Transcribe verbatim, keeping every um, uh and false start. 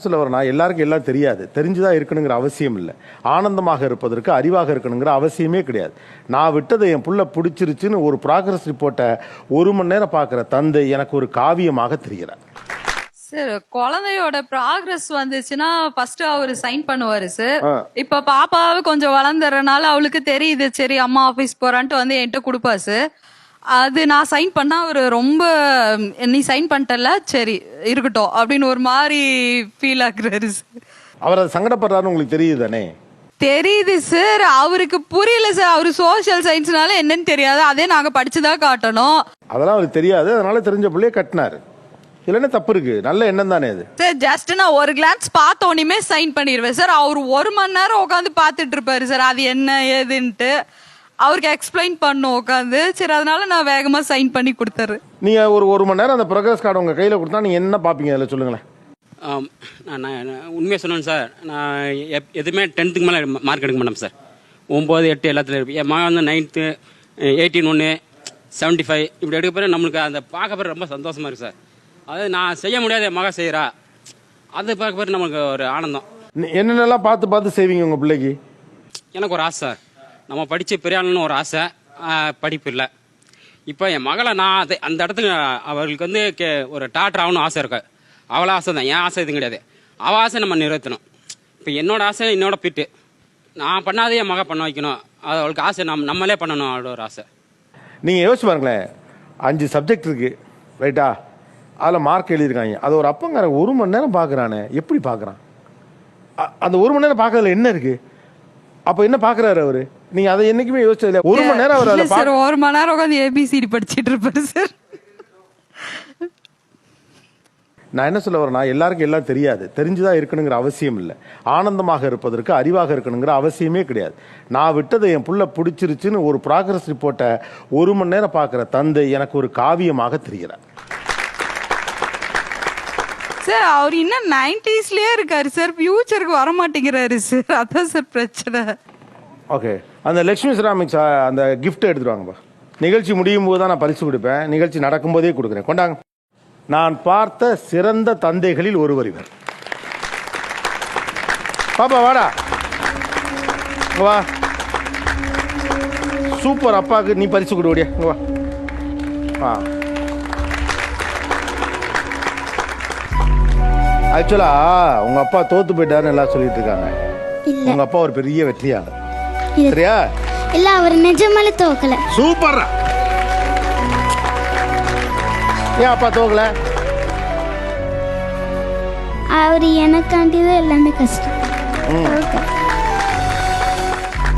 சொல்ல வரேன்னா, எல்லாருக்கும் எல்லாம் தெரியாது. தெரிஞ்சுதான் இருக்கணுங்கிற அவசியம் இல்லை. ஆனந்தமாக இருப்பதற்கு அறிவாக இருக்கணுங்கிற அவசியமே கிடையாது. நான் விட்டதை என் புள்ள பிடிச்சிருச்சுன்னு ஒரு ப்ராக்ரஸ் ரிப்போர்ட்டை ஒரு மணி நேரம் பார்க்குற தந்தை எனக்கு ஒரு காவியமாக தெரிகிறார். சார் குழந்தையோட ப்ராக்ரஸ் வந்துச்சுன்னா ஃபர்ஸ்ட் அவரு சைன் பண்ணுவாரு சார். இப்ப பாப்பாவை கொஞ்சம் வளர்ந்துறனால அவளுக்கு தெரியுது, சரி அம்மா ஆபீஸ் போறான்ட்டு வந்து என்கிட்ட கொடுப்பா சார். அது நான் சைன் பண்ணா அவரு ரொம்ப நீ சைன் பண்ணிட்டல சரி இருக்கட்டும் அப்படின்னு ஒரு மாதிரி ஃபீல் ஆகுறாரு சார். அவர் அது சங்கடப்படுறாருன்னு உங்களுக்கு தெரியுது தானே? தெரியுது சார். அவருக்கு புரியல சார். அவரு சோசியல் சயின்ஸ்னால என்னன்னு தெரியாது. அதே நாங்க படிச்சுதான் காட்டணும். அதெல்லாம் அவருக்கு தெரியாது. அதனால தெரிஞ்ச பிள்ளைய கட்டினாரு. இல்லைன்னா தப்பு இருக்கு. நல்ல எண்ணம் தானே அது சார். ஜஸ்ட் நான் ஒரு கிளான்ஸ் பார்த்த உடனே சைன் பண்ணிடுவேன் சார். அவர் ஒரு மணி நேரம் உட்காந்து பார்த்துட்டு இருப்பாரு சார். அது என்ன ஏதுன்ட்டு அவருக்கு எக்ஸ்பிளைன் பண்ணும் உட்காந்து. சரி அதனால நான் வேகமா சைன் பண்ணி கொடுத்துறேன். நீங்க ஒரு ஒரு மணி நேரம் அந்த ப்ரோக்ரஸ் கார்டு உங்க கையில கொடுத்தா நீங்க என்ன பாப்பீங்க? அதில் சொல்லுங்களேன். நான் உண்மையாக சொன்னேன் சார். நான் எப் எதுவுமே டென்த்துக்கு மேலே மார்க் எடுக்க மாட்டேன் சார். ஒம்பது எட்டு எல்லாத்துலையும் இருப்பேன். என் மகன் வந்து நைன்த்து எயிட்டீன் ஒன்று செவன்ட்டி ஃபைவ் இப்படி எடுக்க பிறகு நம்மளுக்கு அந்த பார்க்க பிறகு ரொம்ப சந்தோஷமாக இருக்குது சார். அதாவது நான் செய்ய முடியாத என் மகன் செய்கிறா, அது பார்க்க பிறகு நமக்கு ஒரு ஆனந்தம். என்னென்னலாம் பார்த்து பார்த்து செய்வீங்க உங்கள் பிள்ளைக்கு? எனக்கு ஒரு ஆசை சார். நம்ம படித்து பெரிய ஆளுன்னு ஒரு ஆசை, படிப்பு இல்லை. இப்போ என் மகளை நான் அது அந்த இடத்துக்கு அவர்களுக்கு வந்து கே ஒரு டாக்டர் ஆகணும் ஆசை இருக்கு. அவளை ஆசை தான், என் ஆசை எதுவும் கிடையாது. அவள் ஆசை நம்ம நிறைவேற்றணும். இப்போ என்னோட ஆசை என்னோட பிட்டு நான் பண்ணாதே என் மக பண்ண வைக்கணும். அது அவளுக்கு ஆசை நம் நம்மளே பண்ணணும் அவளோட ஒரு ஆசை. நீங்கள் யோசிச்சு பாருங்களேன், அஞ்சு சப்ஜெக்ட் இருக்கு ரைட்டா? அதில் மார்க் எழுதியிருக்காங்க. அது ஒரு அப்பங்கார ஒரு மணி நேரம் பார்க்குறானே, எப்படி பார்க்குறான்? அந்த ஒரு மணி நேரம் பார்க்கறதுல என்ன இருக்கு? அப்போ என்ன பார்க்குறாரு அவரு? நீங்க அதை என்னைக்குமே யோசிச்சது இல்லையா? ஒரு மணி நேரம் அவர் சார் ஒரு மணி நேரம் உட்காந்து ஏபிசிடி படிச்சிட்டு இருப்பாரு சார். நான் என்ன சொல்ல வரேன்னா, எல்லாருக்கும் எல்லாம் தெரியாது. தெரிஞ்சுதான் இருக்கணுங்கிற அவசியம் இல்லை. ஆனந்தமாக இருப்பதற்கு அறிவாக இருக்கணுங்கிற அவசியமே கிடையாது. நான் விட்டதை என் புள்ள பிடிச்சிருச்சுன்னு ஒரு ப்ராக்ரஸ் ரிப்போர்ட்டை ஒரு மணி நேரம் பார்க்குற தந்தை எனக்கு ஒரு காவியமாக தெரிகிறார். சார் அவர் இன்னும் நைன்டிஸ்லயே இருக்காரு சார். ஃபியூச்சருக்கு வர மாட்டேங்கிறாரு சார். அதான் சார் பிரச்சனை. ஓகே, அந்த லக்ஷ்மி செராமிக்ஸ் அந்த கிஃப்ட் எடுத்துட்டு வாங்கப்பா. நிகழ்ச்சி முடியும் போது தான் நான் பரிசு கொடுப்பேன். நிகழ்ச்சி நடக்கும்போதே கொடுக்குறேன். கொண்டாங்க. நான் பார்த்த சிறந்த தந்தைகளில் ஒருவர் இவர். பாப்பா வாடா, வா. சூப்பர், அப்பாவுக்கு நீ பரிசு கொடு. ஓடியா வா. ஆ ஆக்சுவலா உங்க அப்பா தோத்து போயிட்டாருன்னு எல்லாம் சொல்லிட்டு இருக்காங்க. உங்க அப்பா ஒரு பெரிய வெற்றியாளர். சரியா? இல்ல, அவர் நிஜமாலே தோக்கல. சூப்பர். ஏன் அப்பா தோக்கல? அவர் எனக்காண்டி தான் எல்லாமே கஷ்டம்.